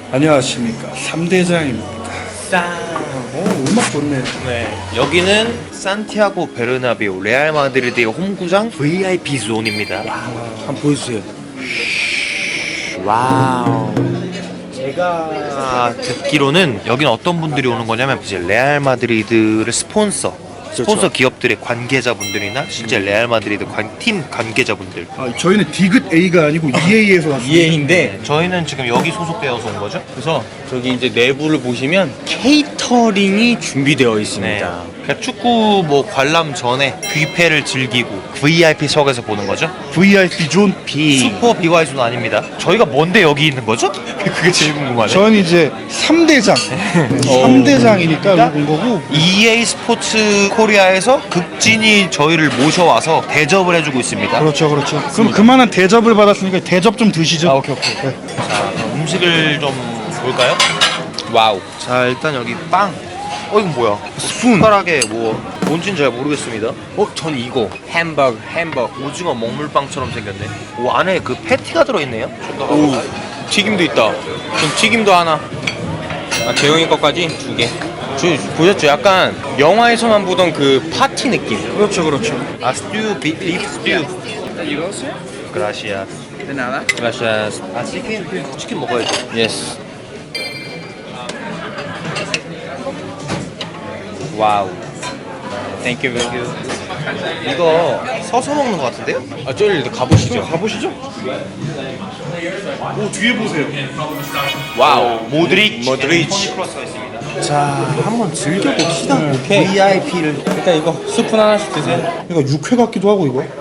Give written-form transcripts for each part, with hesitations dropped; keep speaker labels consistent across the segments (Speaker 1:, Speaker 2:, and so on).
Speaker 1: 안녕하십니까, 3대장입니다. 음악 좋네.
Speaker 2: 네, 여기는 산티아고 베르나베우 레알 마드리드의 홈구장 VIP 존입니다.
Speaker 1: 한번 보여주세요.
Speaker 2: 와우. 제가 듣기로는 여기는 어떤 분들이 오는 거냐면 이제 레알 마드리드를 스폰서 기업들의 관계자분들이나 실제 레알 마드리드 팀 관계자분들.
Speaker 1: 저희는 디귿 A가 아니고 EA에서 왔습니다.
Speaker 3: EA인데
Speaker 2: 저희는 지금 여기 소속되어서 온 거죠?
Speaker 3: 그래서 저기 이제 내부를 보시면 케이터링이 준비되어 있습니다.
Speaker 2: 그러니까 축구 뭐 관람 전에 뷔페를 즐기고 VIP석에서 보는 거죠?
Speaker 1: VIP 존 B.
Speaker 2: 슈퍼 BY존 아닙니다. 저희가 뭔데 여기 있는 거죠? 그게 제일 궁금하네.
Speaker 1: 저는 이제 3대장. 3대장이니까 여기 온 거고.
Speaker 2: EA 스포츠 코리아에서 극진이 저희를 모셔와서 대접을 해주고 있습니다.
Speaker 1: 그렇죠. 그럼 그만한 대접을 받았으니까 대접 좀 드시죠.
Speaker 2: 오케이. 자, 그럼 음식을 좀 볼까요?
Speaker 3: 와우.
Speaker 2: 자, 일단 여기 빵. 이건 뭐야? 스푼. 숟가락에 뭔진 잘 모르겠습니다.
Speaker 3: 전 이거 햄버거.
Speaker 2: 오징어 먹물빵처럼 생겼네. 오, 안에 그 패티가 들어있네요.
Speaker 3: 오, 튀김도 있다. 그럼 튀김도 하나. 재영이 것까지 2개. 보셨죠? 약간 영화에서만 보던 그 파티 느낌.
Speaker 1: 그렇죠.
Speaker 2: 스튜, 비프 스튜. 그라시아.
Speaker 3: 그라시아스.
Speaker 2: 치킨 먹어야죠.
Speaker 3: 예스. 와우. 땡큐.
Speaker 2: 이거 서서 먹는 것 같은데요?
Speaker 3: 저리 가보시죠.
Speaker 1: 가보시죠. 오, 뒤에 보세요.
Speaker 3: 와우.
Speaker 2: 모드리치. 크로스가 있습니다. 자, 한번 즐겨봅시다.
Speaker 3: 오케이.
Speaker 2: VIP를.
Speaker 3: 일단 이거 스푼 하나씩 드세요.
Speaker 1: 이거 육회 같기도 하고 이거.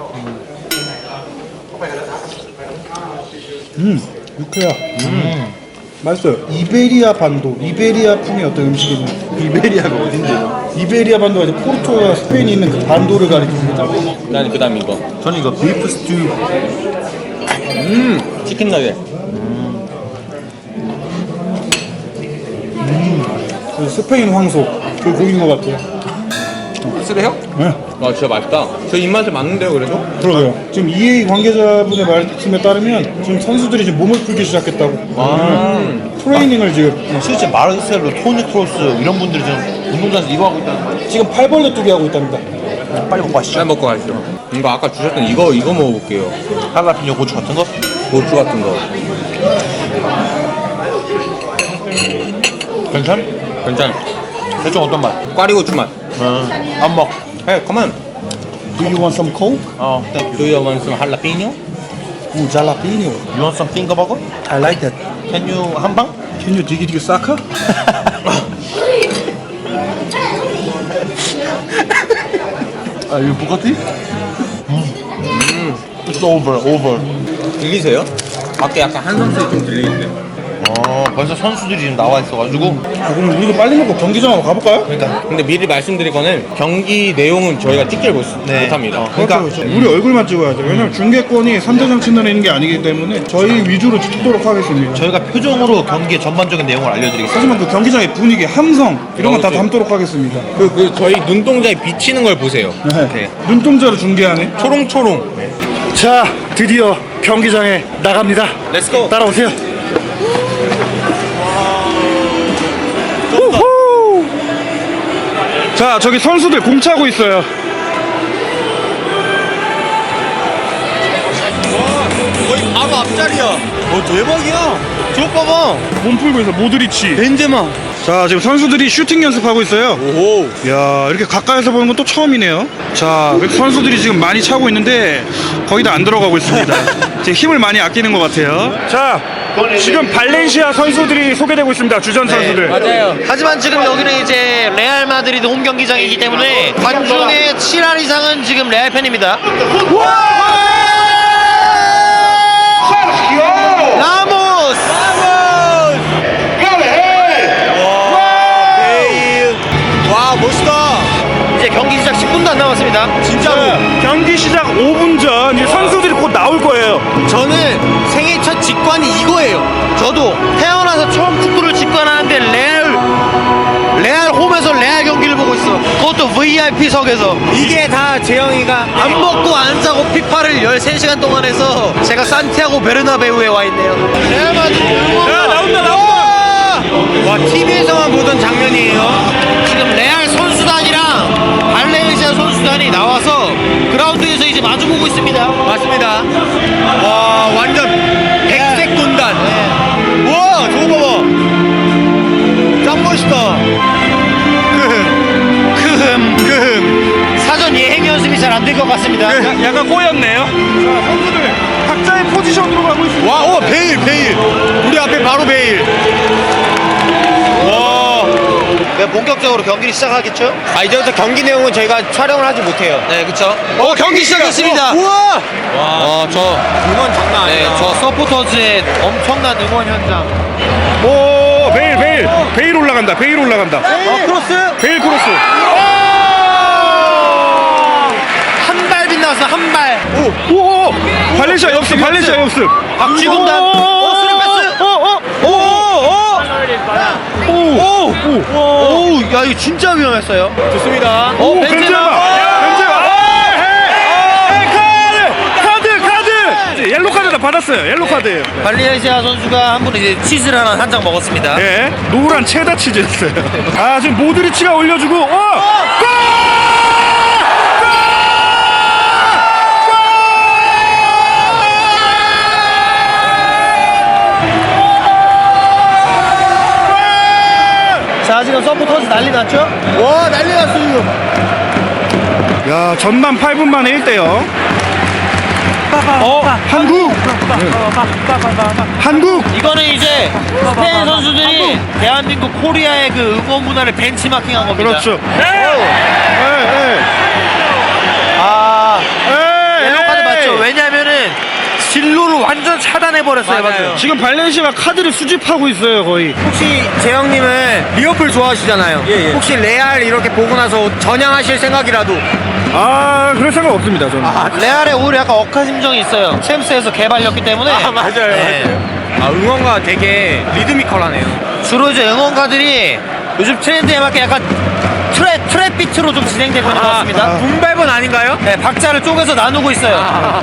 Speaker 1: 육회야. 맛있어요. 이베리아 반도, 이베리아풍의 어떤 음식이죠. 이베리아가 어딘데요? 이베리아 반도가 이제 포르투갈과 스페인이 있는 그 반도를 가리킵니다.
Speaker 3: 난 그다음 이거.
Speaker 2: 저는 이거 비프 스튜.
Speaker 3: 치킨 너겟.
Speaker 1: 그 스페인 황소 그 고기인 것 같아요.
Speaker 3: 쓰래요?
Speaker 1: 네.
Speaker 3: 진짜 맛있다. 저 입맛에 맞는데요, 그래도?
Speaker 1: 그러게요. 지금 EA 관계자분의 말씀에 따르면 지금 선수들이 지금 몸을 풀기 시작했다고. 트레이닝을 지금
Speaker 2: 실제 마르셀로, 토니 크로스 이런 분들이 지금 운동장에서 이거 하고 있다는 거예요.
Speaker 1: 지금 팔벌레 뚜기 하고 있답니다.
Speaker 2: 빨리 먹고 가시죠.
Speaker 3: 잘 먹고 가시죠. 이거 아까 주셨던 이거 먹어볼게요.
Speaker 2: 할라피뇨 고추 같은 거?
Speaker 3: 고추 같은 거. 괜찮?
Speaker 2: 대충 어떤 맛?
Speaker 3: 꽈리고추 맛.
Speaker 2: 안 먹.
Speaker 3: Hey, come on.
Speaker 1: Do you want some coke?
Speaker 2: 땡큐.
Speaker 3: Do you want some jalapeno?
Speaker 1: Ooh, jalapeno.
Speaker 2: You want some finger burger?
Speaker 1: I like that.
Speaker 2: Can you 한방?
Speaker 1: Can you dig it, sucker? You Bugatti? It's over.
Speaker 3: 들리세요? 밖에 약간 한성 소리 좀 들리는데.
Speaker 2: 벌써 선수들이 지금 나와 있어가지고.
Speaker 1: 그럼 우리도 빨리 먹고 경기장 한번 가볼까요?
Speaker 2: 그러니까.
Speaker 3: 근데 미리 말씀드릴 거는 경기 내용은 저희가 찍질 못합니다.
Speaker 1: 그러니까 우리 얼굴만 찍어야 돼요. 왜냐면 중계권이 3대장 채널에 있는 게 아니기 때문에 저희 위주로 찍도록 하겠습니다.
Speaker 2: 저희가 표정으로 경기의 전반적인 내용을 알려드리겠습니다.
Speaker 1: 하지만 그 경기장의 분위기, 함성 이런 건 다 담도록 하겠습니다.
Speaker 3: 그 저희 눈동자에 비치는 걸 보세요.
Speaker 1: 네. 눈동자로 중계하네.
Speaker 3: 초롱초롱.
Speaker 1: 자, 드디어 경기장에 나갑니다.
Speaker 3: 렛츠고.
Speaker 1: 따라오세요. 우후! 자, 저기 선수들 공 차고 있어요.
Speaker 3: 거의 바로 앞자리야. 대박이야. 저거 봐봐.
Speaker 1: 몸 풀고 있어. 모드리치.
Speaker 3: 벤제마.
Speaker 1: 자, 지금 선수들이 슈팅 연습하고 있어요.
Speaker 3: 오호.
Speaker 1: 야, 이렇게 가까이서 보는 건 또 처음이네요. 자, 선수들이 지금 많이 차고 있는데 거의 다 안 들어가고 있습니다. 지금 힘을 많이 아끼는 것 같아요. 자, 지금 발렌시아 선수들이 소개되고 있습니다. 주전 선수들.
Speaker 3: 맞아요.
Speaker 2: 하지만 지금 여기는 이제 레알 마드리드 홈 경기장이기 때문에 관중의 7할 이상은 지금 레알 팬입니다. 라모스!
Speaker 3: 와, 멋있다.
Speaker 2: 이제 경기 시작 10분도 안 남았습니다.
Speaker 3: 진짜로.
Speaker 1: 경기 시작 5분 전 이제 선수들이 곧 나올 거예요.
Speaker 2: 저는 생애 첫 직관이 이거예요. 저도 태어나서 처음 축구를 직관하는데 레알 홈에서 레알 경기를 보고 있어. 그것도 VIP석에서. 이게 다 재영이가 안 먹고 안 자고 피파를 13시간 동안 해서 제가 산티아고 베르나베우에 와 있네요. 레알 마드리드 응원.
Speaker 1: 야, 나온다.
Speaker 2: 본격적으로 경기를 시작하겠죠?
Speaker 3: 아, 이제부터 경기 내용은 저희가 촬영을 하지 못해요.
Speaker 2: 네, 그쵸. 경기 시작했습니다.
Speaker 3: 우와! 저 응원 장난
Speaker 2: 네,
Speaker 3: 아니에요.
Speaker 2: 저 서포터즈의 엄청난 응원 현장.
Speaker 1: 오, 베일 올라간다. 베일 올라간다.
Speaker 2: 크로스?
Speaker 1: 베일 크로스.
Speaker 2: 한 발 빗나왔어, 한 발.
Speaker 1: 오, 발렌시아 역습.
Speaker 2: 박쥐군단. 수리 패스. 오, 야, 이거 진짜 위험했어요.
Speaker 3: 좋습니다.
Speaker 1: 오,
Speaker 2: 벤제마.
Speaker 1: 벤제마. 카드. 옐로 카드 다 받았어요. 옐로 카드예요.
Speaker 2: 발렌시아 선수가 한 분 이제 치즈를 하나 한 장 먹었습니다.
Speaker 1: 예, 노란 체다 치즈였어요. 아, 지금 모드리치가 올려주고, 골!
Speaker 2: 자, 지금 서포터즈 난리 났죠?
Speaker 3: 와, 난리 났어, 이거.
Speaker 1: 야, 전반 8분 만에 1대0. 한국!
Speaker 2: 이거는 이제 스페인 선수들이 대한민국 코리아의 그 응원 문화를 벤치마킹한 겁니다.
Speaker 1: 그렇죠.
Speaker 2: 아, 옐로 카드 맞죠? 왜냐면은 진로를 완전 차단해버렸어요.
Speaker 3: 맞아요.
Speaker 1: 지금 발렌시아가 카드를 수집하고 있어요, 거의.
Speaker 3: 혹시 재영님은 리버풀 좋아하시잖아요. 혹시 레알 이렇게 보고 나서 전향하실 생각이라도.
Speaker 1: 아, 그럴 생각 없습니다, 저는.
Speaker 2: 레알에 오히려 약간 억하심정이 있어요. 챔스에서 개발렸기 때문에.
Speaker 3: 맞아요.
Speaker 2: 네.
Speaker 3: 아, 응원가 되게 리드미컬하네요.
Speaker 2: 주로 이제 응원가들이 요즘 트렌드에 맞게 약간 트랩 비트로 좀 진행되고 있는 것 같습니다.
Speaker 3: 붐발본 아닌가요?
Speaker 2: 네, 박자를 쪼개서 나누고 있어요.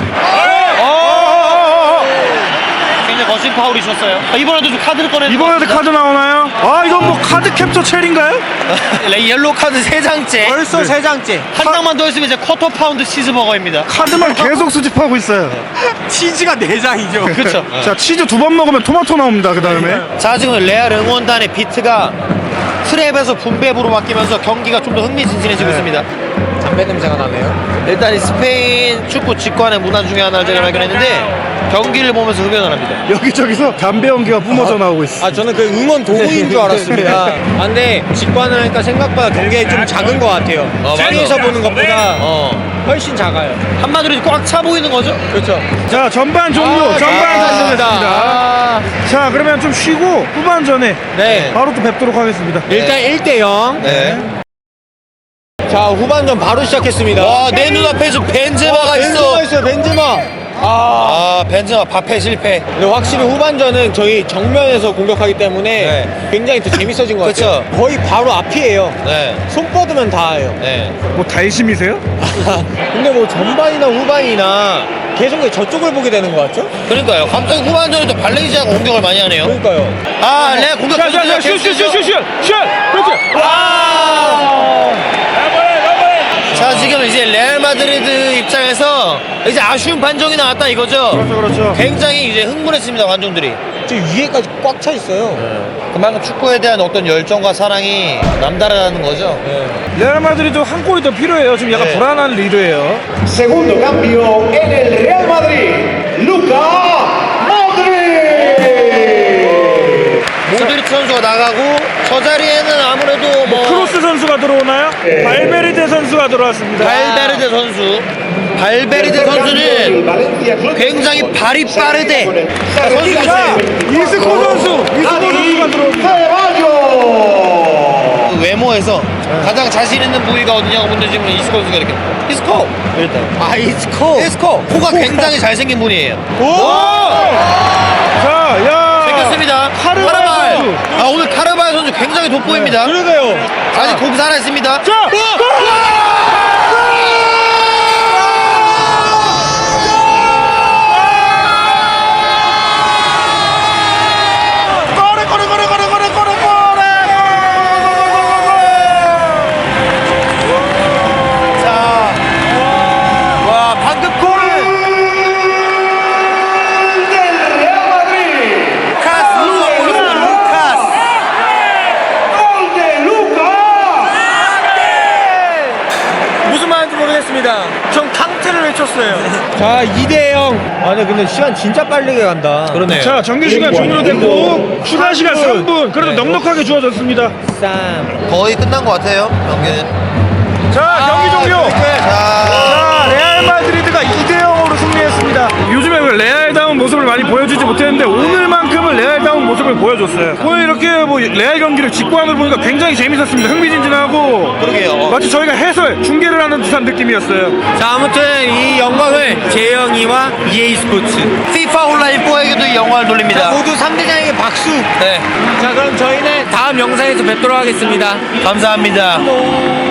Speaker 2: 굉장히 거친 파울이 셨어요. 이번에도 좀 카드를 꺼내는
Speaker 1: 이번에도 카드 나오나요? 아, 이건 뭐 카드 캡처 첼인가요?
Speaker 2: 옐로 카드 3장째.
Speaker 3: 벌써 3장째.
Speaker 2: 한 장만 더 있으면 이제 쿼터 파운드 치즈버거입니다.
Speaker 1: 카드만 계속 수집하고 있어요.
Speaker 3: 치즈가 4장이죠.
Speaker 2: 그렇죠.
Speaker 1: 자, 치즈 2번 먹으면 토마토 나옵니다, 그 다음에.
Speaker 2: 자, 지금 레알 응원단의 비트가 트랩에서 붐베브로 바뀌면서 경기가 좀 더 흥미진진해지고 있습니다.
Speaker 3: 담배 냄새가 나네요.
Speaker 2: 일단 이 스페인 축구 직관의 문화 중에 하나를 제가 발견했는데 경기를 보면서 흡연을 합니다.
Speaker 1: 여기저기서 담배 연기가 뿜어져 나오고 있어.
Speaker 3: 아, 저는 그 응원 도구인 줄 알았습니다. 아, 근데 직관을 하니까 생각보다 경기가 좀 작은 것 같아요.
Speaker 2: 맞아.
Speaker 3: TV에서 보는 것보다 훨씬 작아요.
Speaker 2: 한마디로 꽉 차 보이는 거죠?
Speaker 3: 그렇죠.
Speaker 1: 자, 전반 종료. 전반 종료됐습니다. 자, 그러면 좀 쉬고 후반전에
Speaker 3: 네.
Speaker 1: 바로 또 뵙도록 하겠습니다.
Speaker 3: 일단 1대0.
Speaker 2: 네.
Speaker 3: 자, 후반전 바로 시작했습니다.
Speaker 2: 와, 내 눈앞에서 벤제마가 있어.
Speaker 3: 벤제마 있어요, 벤제마.
Speaker 2: 벤제마 밥해 실패.
Speaker 3: 근데 확실히 후반전은 저희 정면에서 공격하기 때문에
Speaker 2: 네.
Speaker 3: 굉장히 더 재밌어진 것 같아요.
Speaker 2: 그쵸.
Speaker 3: 거의 바로 앞이에요.
Speaker 2: 네.
Speaker 3: 손 뻗으면 닿아요.
Speaker 2: 네.
Speaker 1: 뭐 달심이세요?
Speaker 3: 근데 뭐 전반이나 후반이나 계속 저쪽을 보게 되는 것 같죠?
Speaker 2: 그러니까요. 갑자기 후반전에 또 발렌시아가 공격을 많이 하네요.
Speaker 3: 그러니까요.
Speaker 2: 레알 공격.
Speaker 1: 자, 슛! 그렇지!
Speaker 2: 자, 지금 이제 레알 마드리드 입장에서 이제 아쉬운 판정이 나왔다 이거죠.
Speaker 1: 그렇죠.
Speaker 2: 굉장히 이제 흥분했습니다, 관중들이.
Speaker 3: 저 위에까지 꽉 차 있어요.
Speaker 2: 그만큼 축구에 대한 어떤 열정과 사랑이 남다르다는 거죠.
Speaker 1: 레알 마드리드 한 골이 더 필요해요. 지금 약간
Speaker 2: 네.
Speaker 1: 불안한 리드예요.
Speaker 4: Segundo cambio en el Real Madrid, Luka Modric.
Speaker 2: 모드리치 선수가 나가고 저 자리에는 아무래도 뭐
Speaker 1: 크로스 선수가 들어오나요? 발베르데 선수가 들어왔습니다.
Speaker 2: 발베르데 선수. 발베르데 선수는 굉장히 발이 빠르대.
Speaker 1: 자, 이스코 선수가 들어옵니다.
Speaker 2: 그 외모에서 가장 자신 있는 부위가 어디냐고 문제지면 이스코 선수가 이렇게 이스코 일단 이스코 코가 굉장히 잘생긴 분이에요.
Speaker 1: 자, 야.
Speaker 2: 생겼습니다.
Speaker 1: 카르발 선수.
Speaker 2: 오늘 카르발 선수 굉장히 돋보입니다.
Speaker 3: 그러게요.
Speaker 2: 아직 공 살아있습니다.
Speaker 1: 자,
Speaker 2: 와, 방금 골을
Speaker 4: Del Real Madrid.
Speaker 2: 루카스 선수가 골을 루카스.
Speaker 4: Gol de Luka.
Speaker 1: 쳤어요.
Speaker 3: 자 2대0. 아니 근데 시간 진짜 빠르게 간다. 그러네요.
Speaker 1: 자, 정규 시간 종료됐고 추가 시간 3분. 그래도 넉넉하게 주어졌습니다.
Speaker 2: 거의 끝난 것 같아요, 경기는.
Speaker 1: 자, 경기 종료.
Speaker 2: 자,
Speaker 1: 자, 레알 마드리드가 2대0으로 승리했습니다. 요즘에 레알다운 모습을 많이 보여주지 못했는데 오늘만큼은 레알다운 모습을 보여줬어요. 오늘 이렇게 뭐 레알 경기를 직관으로 보니까 굉장히 재밌었습니다. 흥미진진하고.
Speaker 2: 그러게요.
Speaker 1: 마치 저희가 해설, 중계를 하는 듯한 느낌이었어요.
Speaker 3: 자 아무튼 이 영광을 재영이와 EA 스포츠
Speaker 2: FIFA 온라인 4에게도 이 영광을 돌립니다.
Speaker 3: 모두 3대장에게 박수. 네. 자 그럼 저희는 다음 영상에서 뵙도록 하겠습니다.
Speaker 2: 감사합니다.